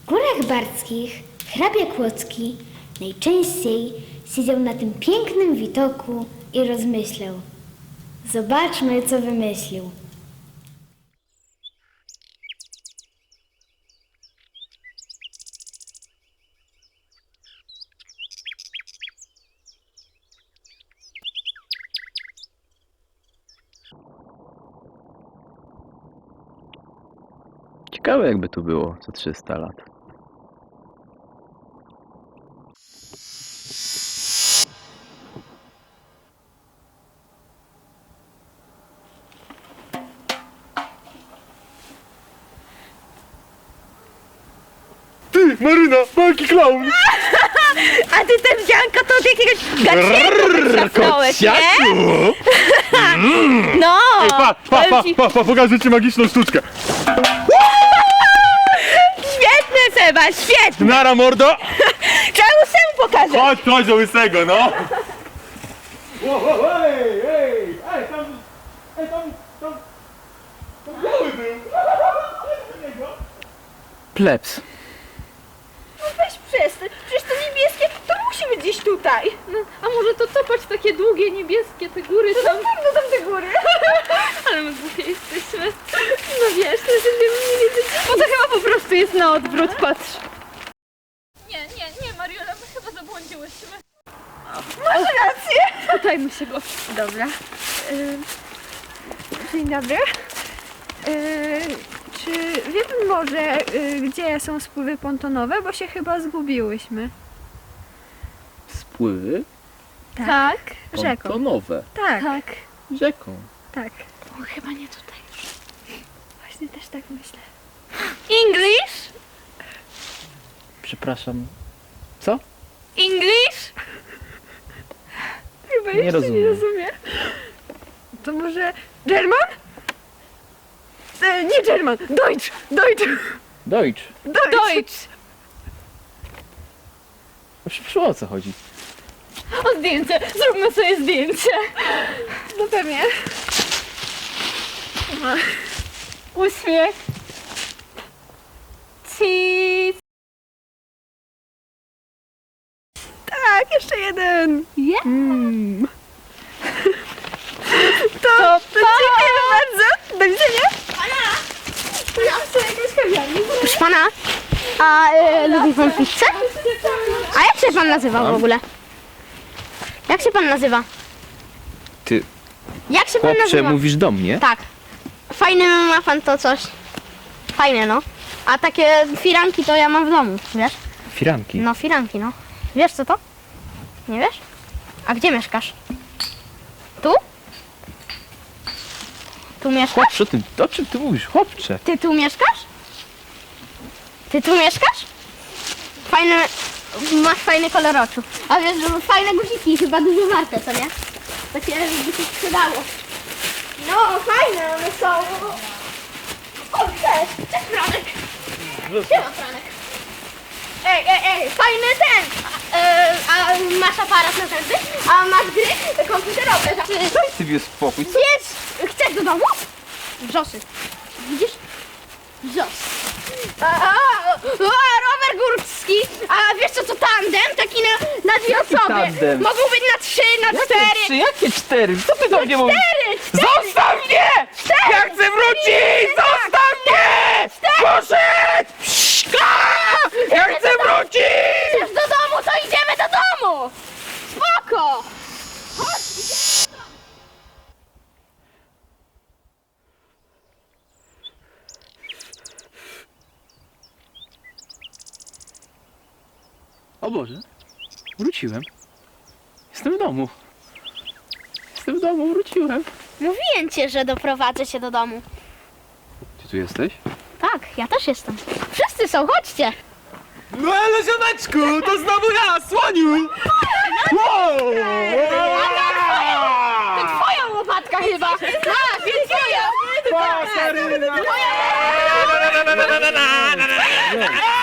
Górach Bardzkich hrabia Kłodzki najczęściej siedział na tym pięknym widoku i rozmyślał. Zobaczmy, co wymyślił. Ciekawe, jakby tu było za 300 lat. Ty, Maryna, wielki klaun! A ty ten wzianka to od jakiegoś gaciego wytrafnąłeś, nie? No! Ej, powiem ci- pokażę ci magiczną sztuczkę. Świetny, Seba, świetny! Nara, mordo! Trzeba mu pokażę! Chodź do łysego, no! Ej, tam biały był! Plebs. No weź przestań, przecież to niebieskie, to musi być gdzieś tutaj. No, a może to patrz, takie długie, niebieskie, te góry To tam. na pewno tam te góry. Ale my głupie jesteśmy. No wiesz, to będziemy nie wiedzieć. Bo to chyba po prostu jest na odwrót, patrz. Nie, Mariola, my chyba zabłądziłyśmy. Masz rację. Pytajmy się go. Dobra. Dzień dobry. Czy wie pan może, gdzie są spływy pontonowe? Bo się chyba zgubiłyśmy. Spływy Tak. Rzeką. pontonowe. Tak, Tak. Rzeką. tak. O, chyba nie tutaj. Właśnie też tak myślę. English? Przepraszam. Co? English? Chyba Nie jeszcze rozumiem. nie rozumie. To może German? Nie German, Deutsch, Deutsch, Deutsch. Deutsch. Deutsch. Proszę, o co chodzi? O, zdjęcie. Zróbmy sobie zdjęcie. No pewnie. Uśmiech. Cheese. Tak, jeszcze jeden. Yeah. To dziękuję bardzo. Do widzenia. Proszę pana, a lubi pan pizzę? A jak się pan nazywa w ogóle? Jak się pan nazywa? Ty, Jak się pan chłopcze, nazywa? mówisz do mnie? Tak. Fajne ma pan to coś. Fajne, no. A takie firanki to ja mam w domu, wiesz? Firanki. No, firanki, no. Wiesz co to? Nie wiesz? A gdzie mieszkasz? Tu? Tu mieszkasz? Chłopcze, o czym ty mówisz, chłopcze? Ty tu mieszkasz? Ty tu mieszkasz? Fajne, masz fajny kolor oczu. A wiesz, że fajne guziki, chyba dużo warte, co nie? Takie by się sprzedało. No, fajne one są. O, cześć Franek. Siema, Franek. Ej, fajny ten. A masz aparat na zęby? A masz gry komputerowe? Daj sobie spokój. Chcesz do domu? Wrzosy. Widzisz? Wrzos. Rower górski. A wiesz co to tandem? Taki na dwie osoby. tandem? Mogą być na 3, na 4. Jakie 4? Co ty do mnie mówisz? 4. Zostaw mnie! Ja chcę wrócić! Zostaw mnie! Poszedł! Ja chcę wrócić! Chcesz do domu, to idziemy do domu. Spoko. O Boże, wróciłem. Jestem w domu. Jestem w domu, wróciłem. Mówiłem cię, że doprowadzę cię do domu. Ty tu jesteś? Tak, ja też jestem. Wszyscy są, chodźcie. No ale ziomeczku, to znowu ja, słoniu! Wow! Twoja łopatka chyba. Tak, więc twoja. Pa, Maryna!